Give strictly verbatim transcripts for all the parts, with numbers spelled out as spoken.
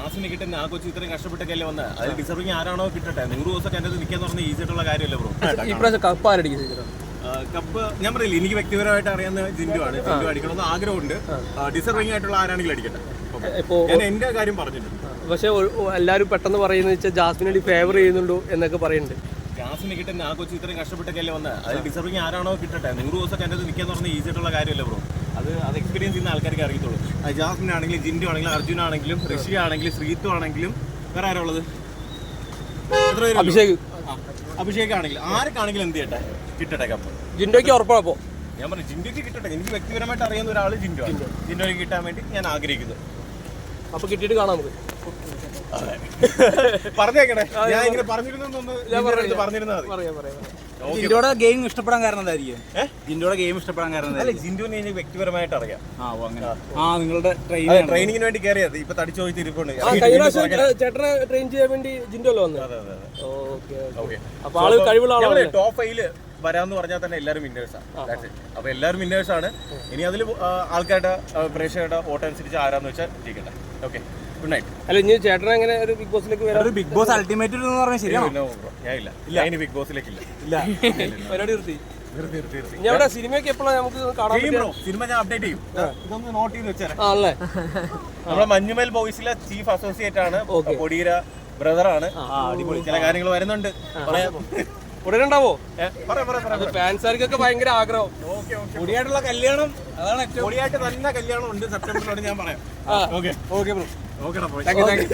ജാസ്മിനെ കിട്ടുന്ന ആ കൊച്ചു ഇത്രയും കഷ്ടപ്പെട്ടൊക്കെയല്ലേ വന്നത്. അത് ഡിസർവിങ് ആരാണോ കിട്ടട്ടെ. നൂറ് ദിവസമൊക്കെ എൻ്റെ നിൽക്കാന്ന് പറഞ്ഞാൽ ഈസി ആയിട്ടുള്ള കാര്യമല്ലേ ബ്രോ. ഇപ്രാവശ്യം കപ്പ് ആരടിക്കും? കപ്പ് ഞാൻ പറയില്ല, എനിക്ക് വ്യക്തിപരമായിട്ട് അറിയാവുന്ന ജിൻഡു ആണ്. ജിൻഡു അടിക്കണമെന്ന് ആഗ്രഹമുണ്ട്. ഡിസർവിങ് ആയിട്ടുള്ള ആരാണെങ്കിലും അടിക്കട്ടെ. ഞാൻ എന്റെ കാര്യം പറഞ്ഞിട്ടുണ്ട്. പക്ഷെ എല്ലാവരും പെട്ടെന്ന് പറയുന്നത് വെച്ചാൽ ജാസ്മിനെ ഫേവർ ചെയ്യുന്നുണ്ടോ എന്നൊക്കെ പറയുന്നുണ്ട്. ജാസ്മിനെ കിട്ടുന്ന ആ കൊച്ചു ഇത്രയും കഷ്ടപ്പെട്ടൊക്കെയല്ലേ വന്നത്. അത് ഡിസർവിങ് ആരാണോ കിട്ടട്ടെ. നൂറ് ദിവസമൊക്കെ എൻ്റെ നിൽക്കാന്ന് പറഞ്ഞാൽ ഈസി ആയിട്ടുള്ള കാര്യമല്ലേ ബ്രോ. അത് അത് എക്സ്പീരിയൻസ് ചെയ്യുന്ന ആൾക്കാർക്ക് അറിയത്തുള്ളൂ. ജാസ്മിൻ ആണെങ്കിലും ജിൻഡു ആണെങ്കിലും അർജുൻ ആണെങ്കിലും ഋഷി ആണെങ്കിലും ശ്രീത്തു ആണെങ്കിലും വേറെ ആരാ ഉള്ളത്? എത്ര പേര്? അഭിഷേക് അഭിഷേക് ആണെങ്കിലും ആർക്കാണെങ്കിലും എന്ത് ചെയ്യട്ടെ, കിട്ടട്ടെ കപ്പ്. ജിൻഡോയ്ക്ക് ഉറപ്പാണ്. അപ്പോൾ ഞാൻ പറഞ്ഞു ജിൻഡോയ്ക്ക് കിട്ടട്ടെ. എനിക്ക് വ്യക്തിപരമായിട്ട് അറിയുന്ന ഒരാൾ ജിൻഡോ ആണ്. ജിൻഡോയ്ക്ക് കിട്ടാൻ വേണ്ടി ഞാൻ ആഗ്രഹിക്കുന്നു. അപ്പൊ കിട്ടിയിട്ട് കാണാം നമുക്ക്. പറഞ്ഞേക്കണേ, ഞാൻ ഇങ്ങനെ പറഞ്ഞിരുന്നൊന്ന് പറഞ്ഞിരുന്നാൽ മതി. ജിൻഡോയുടെ ഗെയിം ഇഷ്ടപ്പെടാൻ കാരണം എന്തായിരിക്കും? ജിൻഡോയുടെ ഗെയിം ഇഷ്ടപ്പെടാൻ കാരണം അല്ല, ജിൻഡോനെ എനിക്ക് വ്യക്തിപരമായിട്ട് അറിയാം. ആ നിങ്ങളുടെ ട്രെയിനിങ്ങിന് വേണ്ടി കയറിയത് ഇപ്പൊ തടിച്ചു പോയി തിരിപ്പുണ്ട്. ചേട്ടനെ ട്രെയിൻ ചെയ്യാൻ വേണ്ടി ജിൻഡോ അല്ലേ വന്നത്? അപ്പൊ ആള് കഴിവുള്ള ആളാണ്. ടോപ്പ് ഫൈവില് വരാന്ന് പറഞ്ഞാൽ തന്നെ എല്ലാവരും വിന്നേഴ്സാണ്. അപ്പൊ എല്ലാവരും വിന്നേഴ്സാണ്. ഇനി അതിൽ ആൾക്കാരുടെ പ്രേക്ഷകരുടെ വോട്ട് അനുസരിച്ച് ആരാന്ന് വെച്ചാൽ ജയിക്കട്ടെ. Okay, good night. അല്ല, ഇനി ചേട്ടൻ എങ്ങനെ ഒരു ബിഗ് ബോസിലേക്ക് വരാം? ബിഗ് ബോസ് അൾട്ടിമേറ്റ് എന്ന് പറഞ്ഞാൽ ശരിയാണോ? ഞാൻ ഇല്ല ഇല്ല ഇനി ബിഗ് ബോസിലേക്കില്ല. പരിപാടി നിർത്തി. ഞാൻ ഇവിടെ സിനിമയൊക്കെ എപ്പോഴാണ് നമുക്ക് കാണാൻ പറ്റും? സിനിമ ഞാൻ അപ്ഡേറ്റ് ചെയ്യും. ഇതൊന്ന് നോട്ട് ചെയ്ത് വെച്ചാൽ ആണല്ലേ. നമ്മുടെ മഞ്ഞുമേൽ ബോയ്സിലെ ചീഫ് അസോസിയേറ്റ് ആണ്, കൊടിയര ബ്രദർ ആണ്. അടിപൊളി ചില കാര്യങ്ങൾ വരുന്നുണ്ട്. ഉടനെ ഉണ്ടാവോ? ഫാൻസാർക്കൊക്കെ ഭയങ്കര ആഗ്രഹം. പൊടിയായിട്ടുള്ള കല്യാണം, അതാണ് പൊടിയായിട്ട് തന്നെ കല്യാണം ഉണ്ട് സെപ്റ്റംബറിലോട് ഞാൻ പറയാം. Okay okay bro. ഓക്കെടാ പോയി.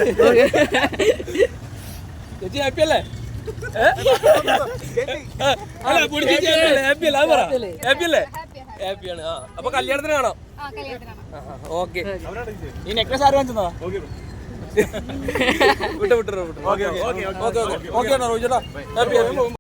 ചേച്ചി ഹാപ്പി അല്ലേ? അല്ല ഹാപ്പി അല്ലേ? ഹാപ്പി അല്ലേ? ഹാപ്പിയാണ്. ആ അപ്പൊ കല്യാണത്തിന് കാണാം. ഓക്കെ. ഈ നെക്ലസ് ആര് വാങ്ങിച്ചതാ? വിട്ടു വിട്ടു വിട്ടു. Okay okay okay okay okay. Happy